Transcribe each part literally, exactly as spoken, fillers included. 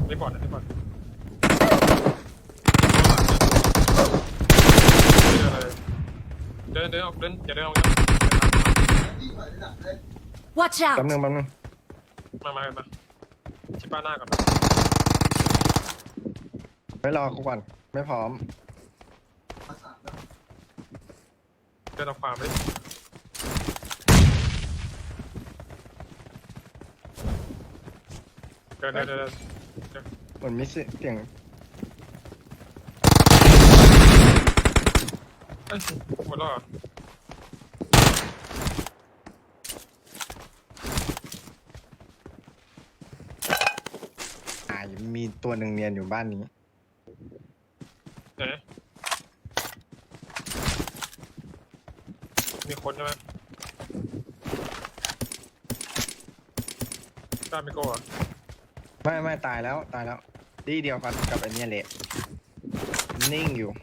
ไม่บอดนะไม่บอดเดินเดินออกเดินอย่าเดินออก Watch แป๊บ out! นึงแป๊บนึงมามามาชิป้าหน้าก่อนไม่รอกูก่อนไม่พร้อมเดินออกขวาไปเดินเดินเดินเหมือนมีเสียงเอ้ยหมดแล้วเหรออ่ามีตัวหนึ่งเนียนอยู่บ้านนี้ไหนมีคนใช่ไหมกล้าไม่โก้อะไม่ไม่ตายแล้วตายแล้วดีเดียวกันกับไอเนี้ยเละนิ่งอยู่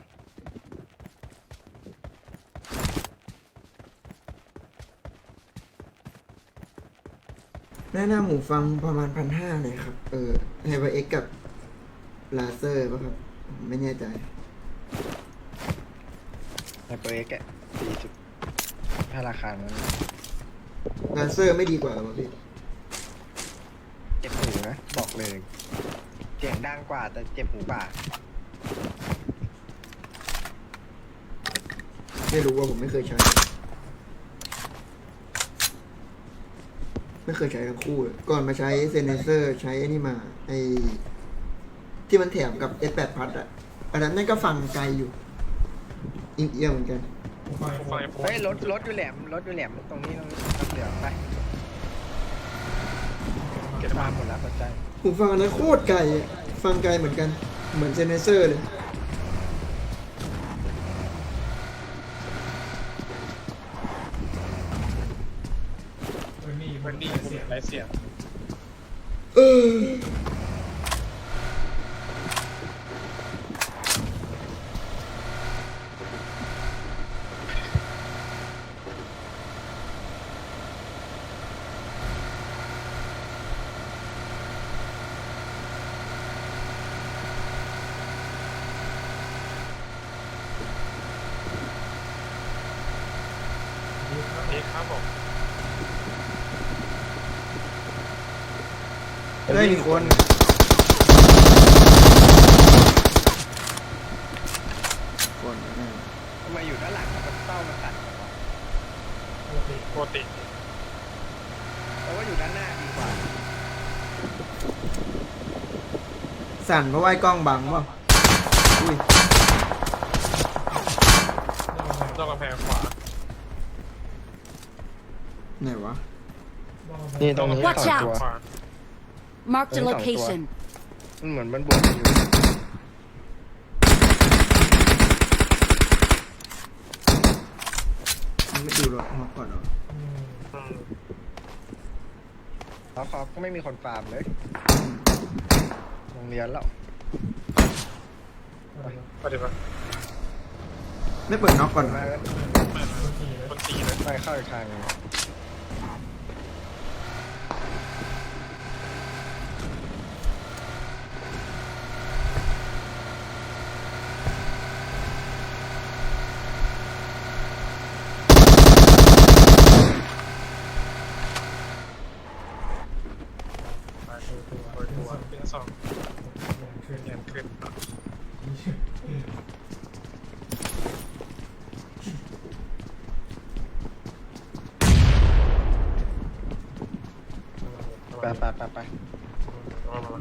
แนะนำหูฟังประมาณพันห้าเลยครับ เออไฮเปอร์เอ็กกับลาเซอร์ป่ะครับผมไม่แน่ใจไฮเปอร์เอ็กซ์สี่สิบถ้าราคานั้นลาเซอร์ไม่ดีกว่าหรอพี่เจ็บหูนะบอกเลยเสียงดังกว่าแต่เจ็บหูกว่าไม่รู้ว่าผมไม่เคยใช้ ไม่เคยใช้ทั้งคู่เลยก่อนมาใช้เซนเซอร์ใช้ไอ้นี่มาไอ้ที่มันแถมกับ เอส แปด พัดอะอันนั้นนั่นก็ฟังไกลอยู่อิงเอียงเหมือนกันฟังไอ้โพเฮ้ยรถรถอยู่แหลมรถอยู่แหลมตรงนี้ตรงนี้ครับเดี๋ยวไปเก็บมามาหมดแล้วปัจจัยหูฟังอันนั้นโคตรไกลอะฟังไกลเหมือนกัน เหมือนเซนเซอร์เลยมันดีเสียงไรเสียงเออดีครับผมได้หนึ่งคนคนแน่ทำไมอยู่ด้านหลังมันเต้ามันตัดเหรอวะปกติเพราะว่าอยู่ด้านหน้าดีกว่าสั่นเพราะว่าไอ้กล้องบังเปล่าอุ้ยนอกกำแพงขวาไหนวะนี่ตรงนี้ Watch สอง out ตัวขวา Marked a Ayun, location. มันเหมือนมันบวกกันอยู่มันไม่ดูหรอกมาก่อนเหรออืมแล้วเขาก็ไม่มีคนฟาร์มเลยโรงเรียนแล้วไปดิปะไม่เปิดน็อกก่อนเหรอมาก็ไม่คนตีเลยไปเข้าอีกทางหนึ่งไปตัวตัวตัวเป็นสองขึ้นเงินขึ้นไปไปไปไปมามา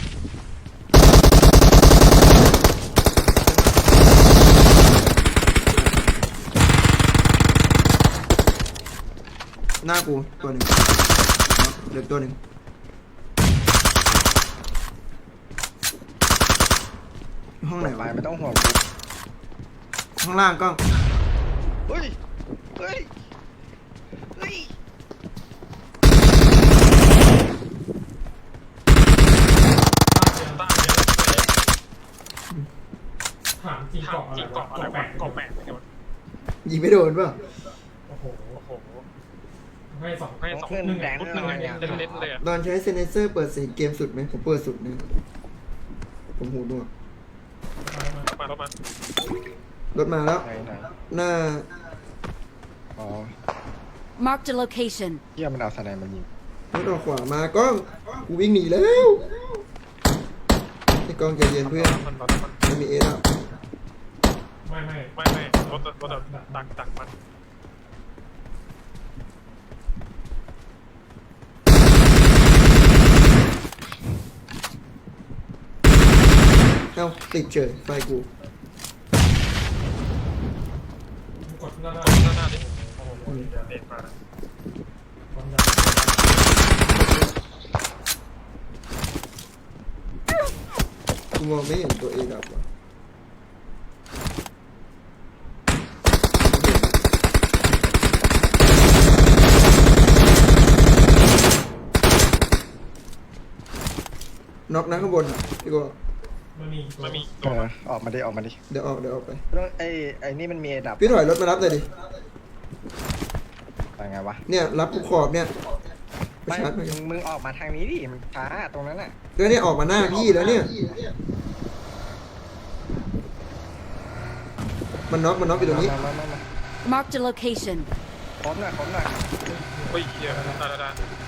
หน้ากูตัวหนึ่งเหลือตัวหนึ่งห้องไหนไปวะไม่ต้องห่วงข้างล่างกล้องเฮ้ยเฮ้ยเฮ้ยต้าเยอะถามจริงถามเกาะอะไรจริงวะเกาะอะไรวะเกาะแปดยิงไม่โดนเปล่าโอ้โหโอ้โหให้สองให้สองเพื่อนแดงพุทธหเลนึ่งยเล่นเล่นเลยตอนใช้เซนเซอร์เปิดเสียงเกมสุดไหมผมเปิดสุดนะผมหูหนวกมามามารถมารถมาแล้วไหนไหนหน้าอ๋อ Marked a location. เยี่ยมันเอาสไนมายิงรถออกขวามากล้องกูวิ่งหนีแล้วไอ้กล้องใจเย็นเพื่อนมันรถมันมันมีเอแล้วไม่ไม่ไม่ไม่รถรถดักดักมันเอ้าติดเฉยไฟกูกดหน้าหน้าหน้าหน้าดิโอ้โหเด็ดมาความยาวกูมองไม่เห็นตัวเอดับว่ะน็อกนะข้างบนอ่ะพี่โก้มันมีมันมีเอตัวอออกมาดิออกมาดิเดี๋ยวออกเดี๋ยวออกไปต้องไอ้ไอ้นี่มันมีไอ้ดับพี่ถอยรถมารับเลยดิอะไรไงวะเนี่ยรับกูขอบเนี่ยไปไม่ชาร์จไปมึงมึงออกมาทางนี้ดิมันช้าตรงนั้นน่ะก็เนี่ยออกมาหน้าพี่แล้วเนี่ย มันน็อกมันน็อกอยู่ตรงนี้มามามามา Marked a location. พร้อมหน่อยพร้อมหน่อยเฮ้ยเหี้ยได้ได้ได้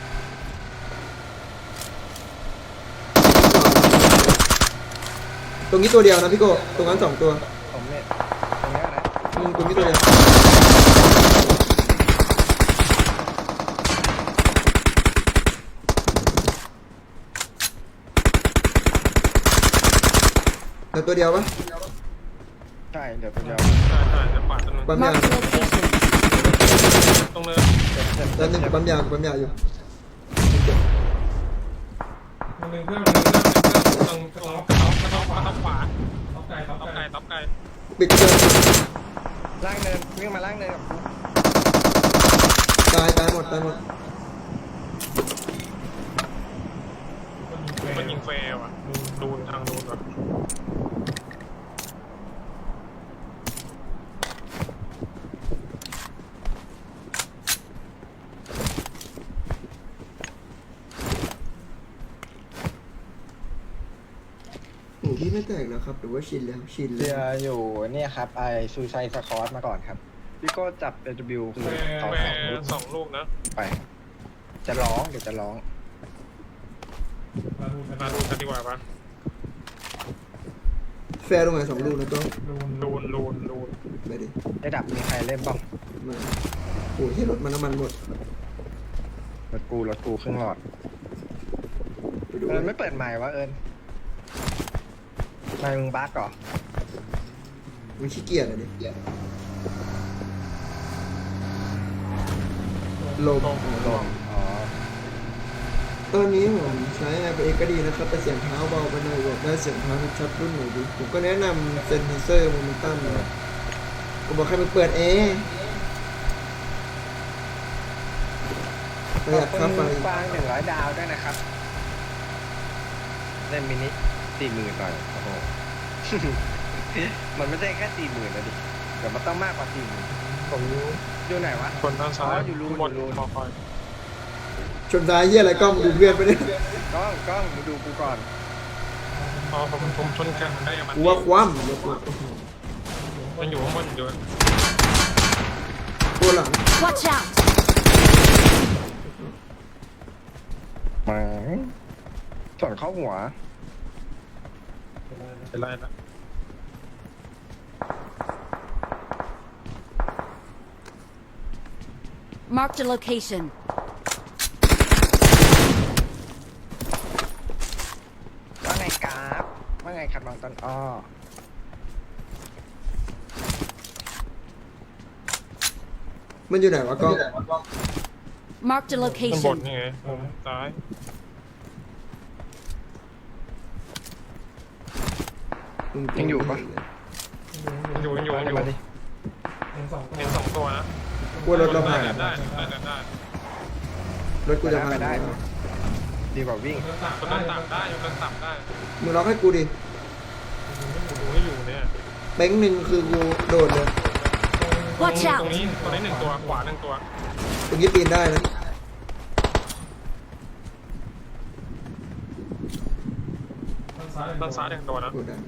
ตรงนี้ตัวเดียวนะพี่โก้ตรงนั้นสองตัวผมเนี่ยตรงเนี้ยนะอืมตรงนี้ตัวเดียวเดี๋ยวตัวเดียวปะใช่เดี๋ยวตัวเดียวใช่ใช่จะขวาตัวนึงปั๊มยา Marked a location. ตรงเนินเจ็บเจ็บแล้วหนึ่งเจ็บปั๊มยาปั๊มยาอยู่มันหนึ่งเพื่อนมันหนึ่งเพื่อนตรงตตรรง งท็ท็ออปปท็ท็ออปปท็อปขวาท็อปไก่ท็อปท็อปไก่ไก่ท็อปไก่ปิดเครื่องล่างเนินวิ่งมาล่างเนินกับกูตายตายหมดตายหมดมันยิงเฟลอ่ะดูนทางดูนอ่ะหูพี่ไม่แตกแล้วครับหรือว่าชินแล้วชินเรืแล้อวอยู่เนี่ยครับไอซูไซสคอร์สมาก่อนครับพี่ก็จับเอชบิวคือเขาแฟสองลูกสองลูกนะไป จะร้องเดี๋ยวจะร้องมาดูมาดูกันดีกว่าปะแฟร์ลงไหนสองลูกนะก็ดูลูนลูนลูนไปดิไอ้ดับมีใครเล่นบ้างมาโอ้ยที่รถมันน้ำมันหมดรถกูรถกูครึ่งหลอดไปดูเอิญไม่เปิดใหม่วะเอิญไม่มึงบั๊กเหรอมันขี้เกียจอะดิลมลงอ๋อตอนนี้ผมใช้ ไอ พี เอ็กซ์ ก็ดีนะครับแต่เสียงเท้าเบาไปหน่อยอยากได้เสียงเท้าชัดๆรุ่นไหนดีผมก็แนะนำเซนเซอร์โมเมนตัมนะผมบอกให้มันเปิดแอร์ประหยัดค่าไฟฟางหนึ่งร้อยดาวด้วยนะครับ เล่นมินิสี่หมื่นหน่อยโอ้โห มันไม่ใช่แค่สี่หมื่นนะดิเดี๋ยวมันต้องมากกว่าสี่หมื่นผมอยู่ไหนวะคนด้านซ้ายอ๋ออยู่รูนบนอยู่รูนคอคอยชนท้ายเฮียอะไรกล้องดูเพื่อนไปเนี่ยกล้องกล้องมาดูกูก่อนอ๋อผมผมชนกันได้กับมันกูว่าคว่ำรถกูโอ้โหมันอยู่ข้างบนอยู่ตัวหลัง Watch out! มาส่วนเข้าหัวเป็นไรนะ Marked a location. ว่าไงกราฟว่าไงครับน้องต้นอ้อมันอยู่ไหนวะกล้อง Marked a ข้างบน location. นี่ไงมุมซ้ายยังอยู่ปะยังอยู่ยังอยู่ยังอยู่มาดิเห็นสองตัวเห็นสองตัวนะกลัวรถเราได้ผ่านได้ได้ได้ได้รถกูจะผ่านได้ได้ ดีกว่าวิ่งคนนั้นต่ำได้ยกกันต่ำได้มึงล็อกให้กูดิดูให้อยู่เนี่ยแบงค์หนึ่งคือกูโดดเลย Watch ตรง out! นี้ตรงนี้หนึ่งตัวขวาหนึ่งตัวตรงนี้ปีนได้นะมซ้ายด้านซ้ายหนึ่งตัวนะโกดัง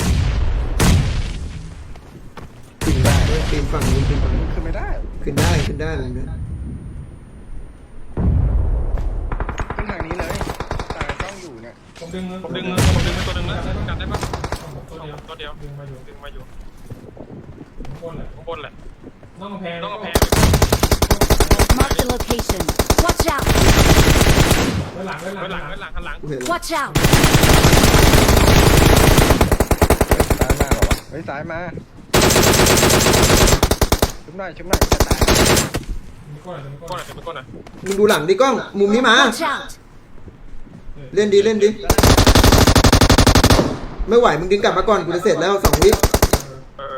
ขึ้นได้ด้วยปีนฝั่งนู้นปีนฝั่งนู้นขึ้นไม่ได้ขึ้นได้ขึ้นได้เลยนะขึ้นทางนี้เลยตายต้องอยู่เนี่ยผมดึงผมดึงผมดึงไปตัวหนึ่งนะกันได้ปะตัวเดียวตัวเดียวดึงมาอยู่ดึงมาอยู่ข้างบนแหละข้างบนแหละต้องกำแพงต้องกระแพง Marked a location. Watch out! ไว้หลังไว้หลัไว้งหลังไว้หลังข้างหลังกูเห็นแล้ว Watch out! เฮ้ยซ้ายมาเหรอวะเฮ้ยซ้ายมาชุบหน่อยชุบหน่อยจะตายมีก้อนอะไรมีก้ก้อนนหน่อยเป็นก้นหน่อยมึงดูหลังดิกล้องมุมนี้มา Watch out! เล่นดีเล่นดิไม่ไหวมึงดึงกลับมาก่อนกูจะเสร็จแล้วสองวิเออ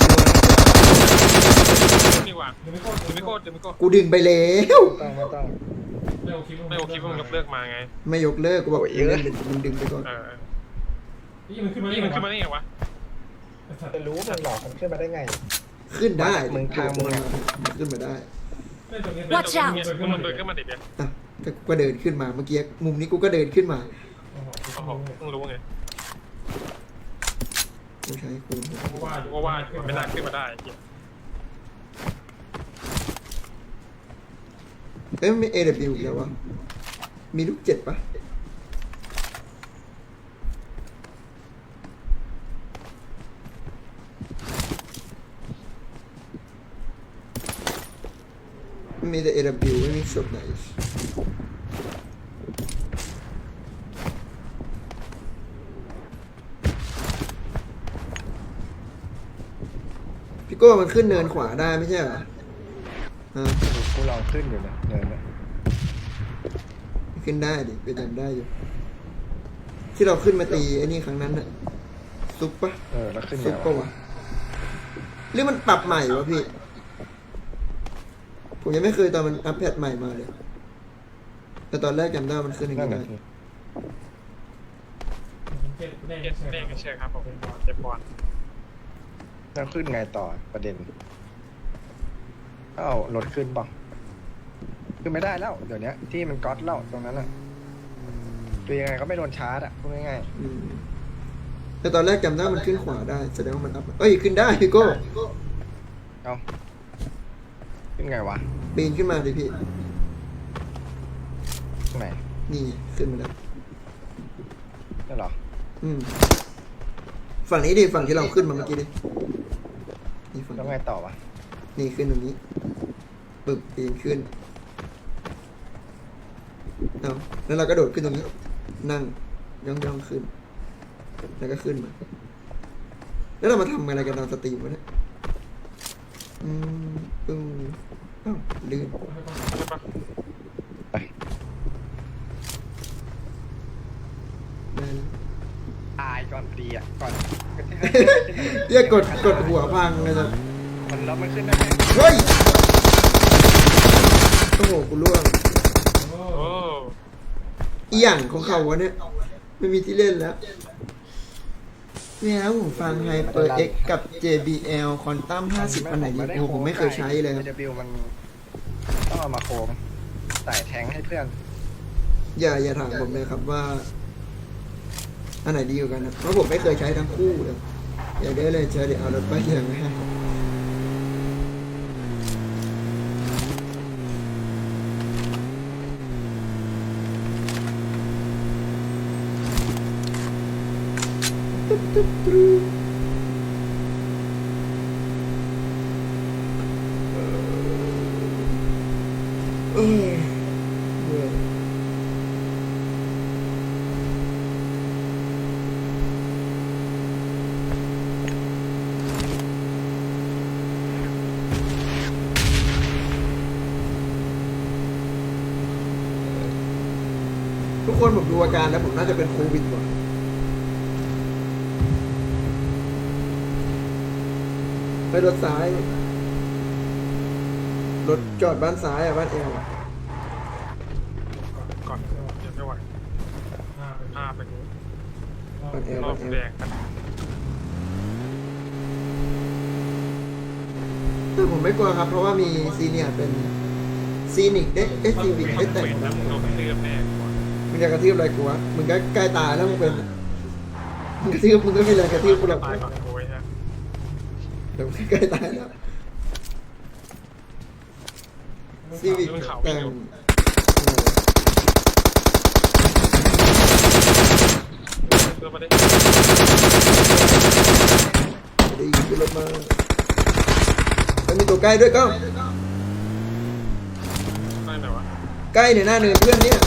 นี่ว่ะดึงไม่ก้อนดึงไม่โคตรดึงไม่โคตรกูดึงไปแล้วต้องไม่ต้องไม่โอเคไม่โอเคเพิ่งยกเลิกมาไงไม่ยกเลิกกูบอกโอ้ยเล่นมึงดึงไปก่อนเออนี่มันขึ้นมานี่มันขึ้นมาได้ไงวะจะรู้มันหลอกมันขึ้นมาได้ไงขึ้นได้มึงทางมึงอะขึ้นมาได้เล่นตรงนี้ Watch out มันเดินขึ้นมาเด็ดเดียวอ่ะก็กูก็เดินขึ้นมาเมื่อกี้มุมนี้กูก็เดินขึ้นมาโอ้โหโอ้โหเพิ่งรู้ไงกูใช้คูณเพราะว่าเพราะว่าไม่น่าขึ้นมาได้เอ้ยไม่ เอ ดับเบิลยู อีกแล้ววะมีลูกเจ็ดปะไม่มีแต่ เอ ดับเบิลยู ไม่มีช็อตไหนพี่โก้มันขึ้นเนินขวาได้ไม่ใช่เหรอฮะกูลองขึ้นอยู่นะเนินนะขึ้นได้ดิไปจำได้อยู่ ที่เราขึ้นมาตีไอ้นี่ครั้งนั้นน่ะซุปปะเออแล้วขึ้นซุไงปปะวะวะหรือมันปรับใหม่วะพี่ ผมยังไม่เคยตอนมันอัปเดตใหม่มาเลย แต่ตอนแรกจำได้มันขึ้นอย่างนั่นนี้แหได้ละเจ็ดแน่เจ็ดใช่เด้งครับใช่ครับผมเจ็บบอลแล้วขึ้นไงต่อประเด็นเอารถขึ้นป่ะขึ้นไม่ได้แล้วเดี๋ยวนี้ที่มันก๊อตเล่าตรงนั้นอ่ะตัวยังไงก็ไม่โดนชาร์จอ่ะพูดง่ายอืมแต่ตอนแรกจำได้มันขึ้นขวาได้แสดงว่ามันอัพเอ้ยขึ้นได้พี่โก้ๆเอาขึ้นไงวะปีนขึ้นมาดิพี่ตรงไหนนี่ขึ้นมาแล้วนี่เหรออืมฝั่งนี้ดิฝั่งที่เราขึ้นมาเมื่อกี้ดินี่ฝั่งแล้วนี้ไงต่อวะนี่ขึ้นตรงนี้ปึ๊บปีนขึ้นเอาแล้วเราก็โดดขึ้นตรงนี้ นั่งย่องย่องๆขึ้น แล้วก็ขึ้นมา แล้วเรามาทำอะไรกันตอนสตรีมวะเนี่ยอืมปึ้งอ้าวลืมใช่ปะไปได้แล้วตายก่อนตีอ่ะก่อนเรียกกดกดหัวพังเลยนะมันแล้วมันขึ้นได้ไหมเฮ้ย โอ้โหกูล่วงโอ้โอ้อีหยังของเขาวะเนี่ย ไม่มีที่เล่นแล้วเนี่ยแล้วผมฟัง HyperX กับ เจ บี แอล Quantum ห้าสิบอันไหนดีโอ้โหผมไม่เคยใช้เลยครับเดบิวมันต้องเอามาโคมใส่แทงให้เพื่อนอย่าอย่าถามผมเลยครับว่า อันไหนดีกว่ากันนะเพราะผมไม่เคยใช้ทั้งคู่เลย อยากได้เลยใช้เดี๋ยวเอารถไปเทียงให้เออเบื่อ ทุกคนผมดูอาการแล้วผมน่าจะเป็นโควิดว่ะไปรถซ้าย รถจอดบ้านซ้ายอ่ะบ้านเอวอะก่อนเดี๋ยวไม่ไหวห้าเป็นห้าเป็นบ้านเอวรอบ้าบนเอวแดงแต่ผมไม่กลัวครับ เพราะว่ามีซีเนียร์เป็นซีนิกได้เอสซีวิกได้แต่งเป็นแล้วมึงโดนเตือนแน่ก่อนมึงจะกระทืบอะไรกูวะมึงก็ใกล้ตายแล้วมึงเป็นเมึงกระทืบมึงก็ไม่แรงกระทืบกูหรอกตายก่อนโอ้ยฮะเดี๋ยวใกล้ตายแล้วซีวิกแต่งเพื่อมาได้ได้ยินขึ้นรถมาแล้วมีตัวใกล้ด้วยก้องได้ไหนวะใกล้เนี่ยหน้าเนินเพื่อนเนี่ย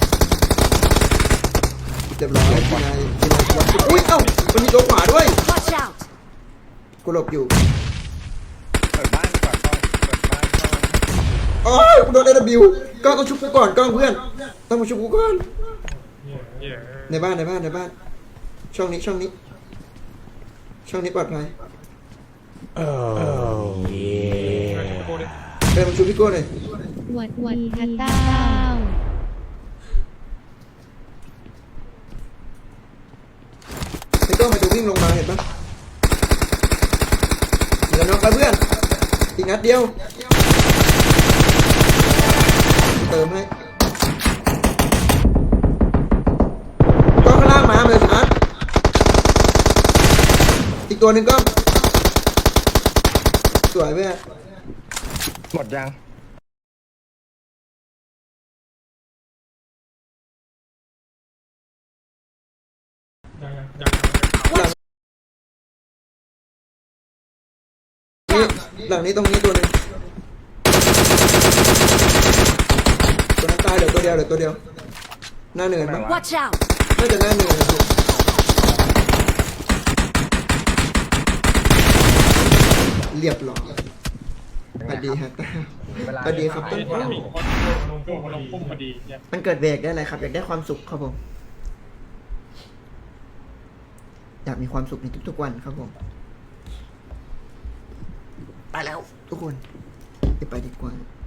เรียบร้อยกินนายกินนายวัดอุ้ยเอ้ามันมีตัวขวาด้วย Watch out! กูหลบอยู่เปิดบ้านก่อนก่อนเปิดบ้านก่อนโอ้ยกูโดนเอวิวก้องต้องชุบกูก่อนก้องเพื่อนต้องมาชุบกูก่อนเนี่ยเหี้ยในบ้านในบ้านในบ้านช่องนี้ช่องนี้ ช่องนี้ปลอดภัยกูดิเดินมาชุบพี่โก้หน่อยหวัดหวัดฮัตเต้าพี่โก้มาจะวิ่งลงมาเห็นปะเหลือน้องไปเพื่อนอีกนัดเดียวเติมให้ก้องข้างล่างมาเลยสินัดอีกตัวหนึ่งก้องสวยเพื่อนหมดยังยังยังยังนี่หลังนี้ตรงนี้ตัวหนึงตัวนั้นตายเหลือตัวเดียวเหลือตัวเดียว หน้าเนินปะ Watch out! น่าจะหน้าเนินนะครับเรียบร้อยสวัสดีฮะสวัสดีครับต้นมันข้าวมีคนลงพุ่งลงพุ่งพอดีเนี่ยมันเกิดเบรกได้อะไรครับ อยากได้ความสุขครับผม อยากมีความสุขในทุกๆวันครับผม ไปแล้ว ทุกคนจะไปดีกว่า